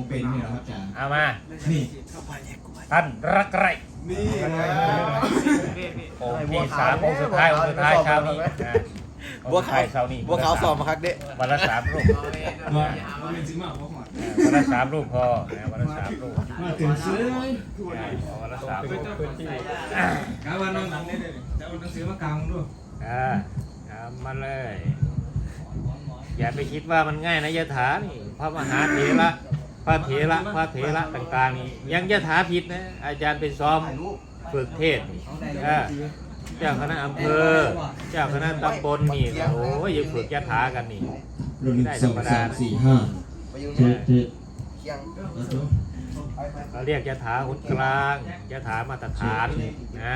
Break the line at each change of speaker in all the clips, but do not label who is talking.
เป็นเนี่ยครับอาจารย์
เอามา
นี่
ท่านรักไร
นี่นะ
องค์ที่สามองค์สุดท้ายองค์สุดท้ายเช้านี้บัวขาวเช้านี้
บัวขาวสอบมาครับเด็ก
วันละ3 รูป
ว่าเป็นจริงมากว่าหอด
วันละ3 รูปพอวันละ3 รูป
มาถึงซื้อ
วันละ3 รูป
กาวันนอนหลังได้เลยจะเอาหนังสือมากางด้วย
มาเลย อย่าไปคิดว่ามันง่ายนะยะถานี่พระมหาเถระพระเถระต่างๆนี่ยังยะถาผิดนะอาจารย์ไปซ้อมฝึกเทศนี่เจ้าคณะอำเภอเจ้าคณะตำบลนี่โอ้ยยังฝึกยะถากันนี่
รุ่น1 2 3 4 5เจ็ด
เราเรียกยะถาหุนกลางยะถามาตรฐานนะ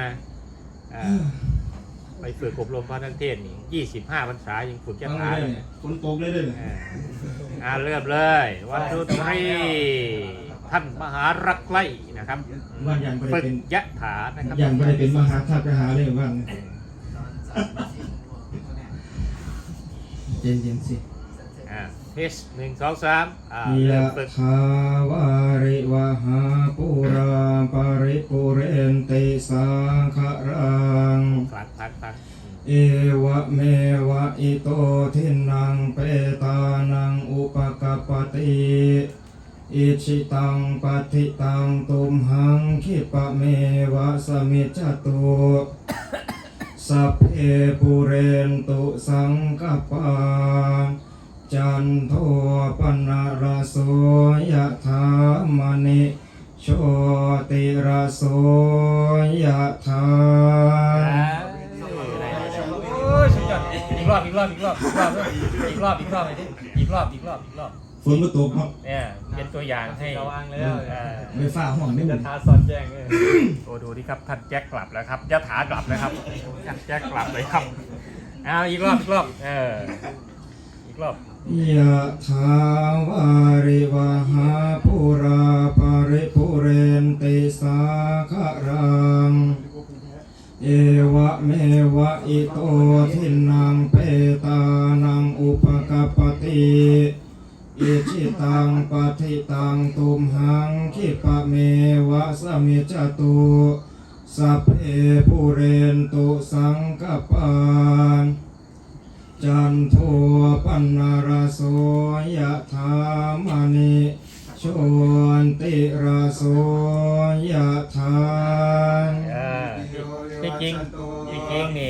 ไปฝึกอบรมพระนักเทศนี่25 พรรษายังฝึกยะถาเลย
คนโตกเลยด้วย
เริ่มเลยวันทูตรีท่านมหารักไล่นะครับ
ว่ายังไม่
ฝึ
ได้
ก
เป็น
ยะถานะครับ
ยังไม่ได้เป็นมหาธาตุหาเลยว่าเย็นๆสิ
เพช1 2 3
ยะ
ฝึก
ถาวาริวหาปุราปาริปุเรนติสังขรัง
พัก
เอวะเมวะอิโตทินังเปตานังอุปกัปปติอิชิตังปฏิตังตุมหังคิปะเมวะสมิจจตุสัพเพปุเรนตุสังกปาจันโทปนะระโสยะถามณิโชติระโสยะถา
อีกรอบ
ฝนมาตกครับ
เนี่ยเป็นตัวอย่างให้
ระวังแล้ว
ไม่ฟ้าห้องไม่หม
จะ
ด
ทาสอนแจ้งเลย
โอ้ดูดิครับท่านแจ็คกลับแล้วครับยะถากลับแล้วครับท่านแจ็คกลับเลยครับอีกรอบอีกรอบ
ยะถาวาริวหาปุราปาริปุเรนติสาคารังเอวะเมวะอิโตทินังเปตานังอุปกัปปติอิชิตังปฏิตังตุมหังคิปะเมวะสมิจจตุสัพเพปุเรนตุสังกปปาจันโทปนะระโสยะถามณิโชติระโสยะถา
ที่จริงนี่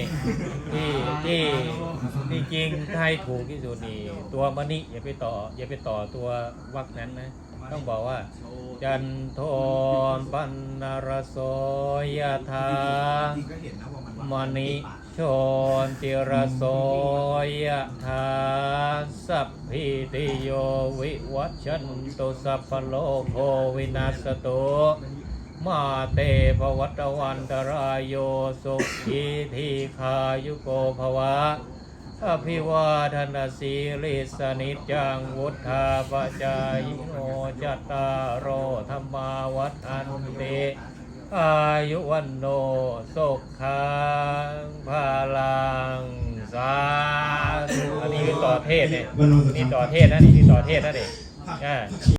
ที่จริงถ้าให้ถูกที่สุดนี่ตัวมณิอย่าไปต่อตัววรรคนั้นนะต้องบอกว่าจันโทปนะระโสยะถามณิโชติระโสยะถาสัพพิติโยวิวัชชันตุสัพพโลกโควินาศตุมาเตภวัตวันตรายโยสุขีทีขายุโกภวะอภิวาทนาสีลิสนิจจังวุฒาปจายโนจัตตารโอธรรมาวัฏอันติอายุวันโนสุขังภาลังสาธุอันนี้คือต่อเทศเนี่ยนี่ต่อเทศนะนี่ต่อเทศนะเด็ก